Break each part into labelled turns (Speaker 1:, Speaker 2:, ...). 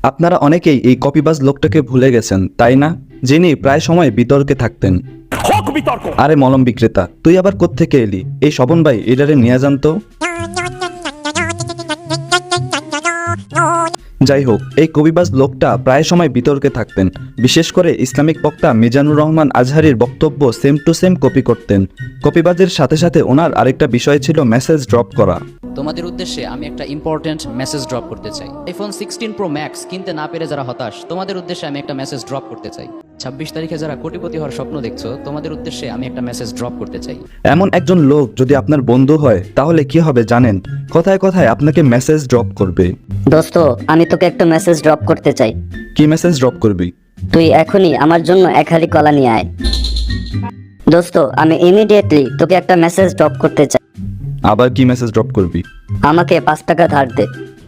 Speaker 1: আপনারা অনেকেই এই কপিবাজ লোকটাকে ভুলে গেছেন, তাই না? যিনি প্রায় সময় বিতর্কে থাকতেন। আরে মলম বিক্রেতা, তুই আবার কোত্থেকে এলি? এই স্বপন ভাই এটারে নিয়ে যান তো। যাই হোক, এই কবিবাজ লোকটা প্রায় সময় বিতর্কে থাকতেন। বিশেষ করে ইসলামিক বক্তা মিজানুর রহমান আজহারির বক্তব্য সেম টু সেম কপি করতেন। কপিবাজের সাথে সাথে ওনার আরেকটা বিষয় ছিল মেসেজ ড্রপ করা।
Speaker 2: তোমাদের উদ্দেশ্যে আমি একটা ইম্পর্টেন্ট মেসেজ ড্রপ করতে চাই। আইফোন 16 প্রো ম্যাক্স কিনতে না পেরে যারা হতাশ, তোমাদের উদ্দেশ্যে আমি একটা মেসেজ ড্রপ করতে চাই। 26 তারিখে যারা কোটিপতি হওয়ার স্বপ্ন দেখছো, তোমাদের উদ্দেশ্যে আমি একটা মেসেজ ড্রপ করতে চাই।
Speaker 1: এমন একজন লোক যদি আপনার বন্ধু হয় তাহলে কি হবে জানেন? কথায় কথায় আপনাকে মেসেজ ড্রপ করবে।
Speaker 3: দোস্ত, আমি তোকে একটা মেসেজ ড্রপ করতে চাই।
Speaker 1: কি মেসেজ ড্রপ করবি?
Speaker 3: তুই এখনই আমার জন্য এক হালি কলা নিয়ে আয়। দোস্ত, আমি ইমিডিয়েটলি তোকে একটা মেসেজ ড্রপ করতে চাই।
Speaker 1: আবার কি মেসেজ ড্রপ করবি?
Speaker 3: আমাকে 5 টাকা ধার দে।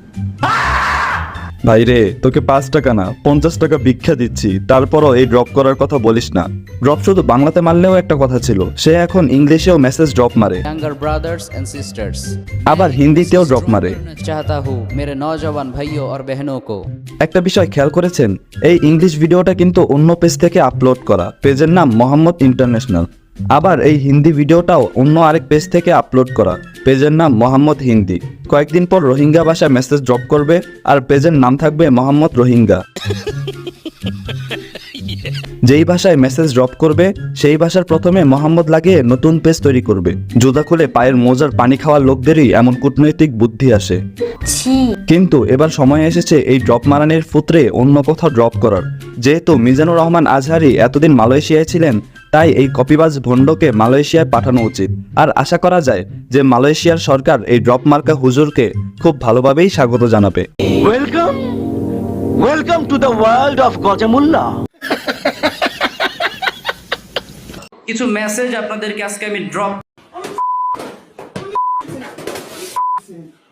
Speaker 1: ভাই রে, তোকে 5 টাকা না 50 টাকা ভিক্ষা দিচ্ছি, তারপরও এই ড্রপ করার কথা বলিস না। ড্রপ শুধু বাংলাতে মারলেও একটা কথা ছিল, সে এখন ইংলিশেও মেসেজ ড্রপ মারে,
Speaker 2: ইয়াঙ্গার ব্রাদার্স এন্ড সিস্টার্স,
Speaker 1: আবার হিন্দিতেও ড্রপ মারে।
Speaker 2: চাহতা হু মেরে নওজওয়ান ভাইও আর বহনों को।
Speaker 1: একটা বিষয় খেয়াল করেছেন? এই ইংলিশ ভিডিওটা কিন্তু অন্য পেজ থেকে আপলোড করা, পেজের নাম মোহাম্মদ ইন্টারন্যাশনাল। আবার এই হিন্দি ভিডিওটাও অন্য আরেক পেজ থেকে আপলোড করা, পেজের নাম মোহাম্মদ হিন্দি। কয়েকদিন পর রোহিঙ্গা ভাষায় মেসেজ ড্রপ করবে আর পেজের নাম থাকবে মোহাম্মদ রোহিঙ্গা। যেই ভাষায় মেসেজ ড্রপ করবে সেই ভাষার প্রথমে মোহাম্মদ লাগিয়ে নতুন পেজ তৈরি করবে। জুতা খুলে পায়ের মোজার পানি খাওয়া লোকদেরই এমন কূটনৈতিক বুদ্ধি আসে। কিন্তু এবার সময় এসেছে এই ড্রপ মারানের ফুত্রে অন্য কোথাও ড্রপ করার। যেহেতু মিজানুর রহমান আজহারি এতদিন মালয়েশিয়ায় ছিলেন, তাই এই কপিবাজ ভণ্ডকে মালয়েশিয়ায় পাঠানো উচিত। আর আশা করা যায় যে মালয়েশিয়ার সরকার এই ড্রপ মার্কা হুজুরকে খুব ভালোভাবেই স্বাগত জানাবে।
Speaker 4: Welcome to the world of Gojamullah.
Speaker 5: কিছু মেসেজ আপনাদেরকে আজকে আমি ড্রপ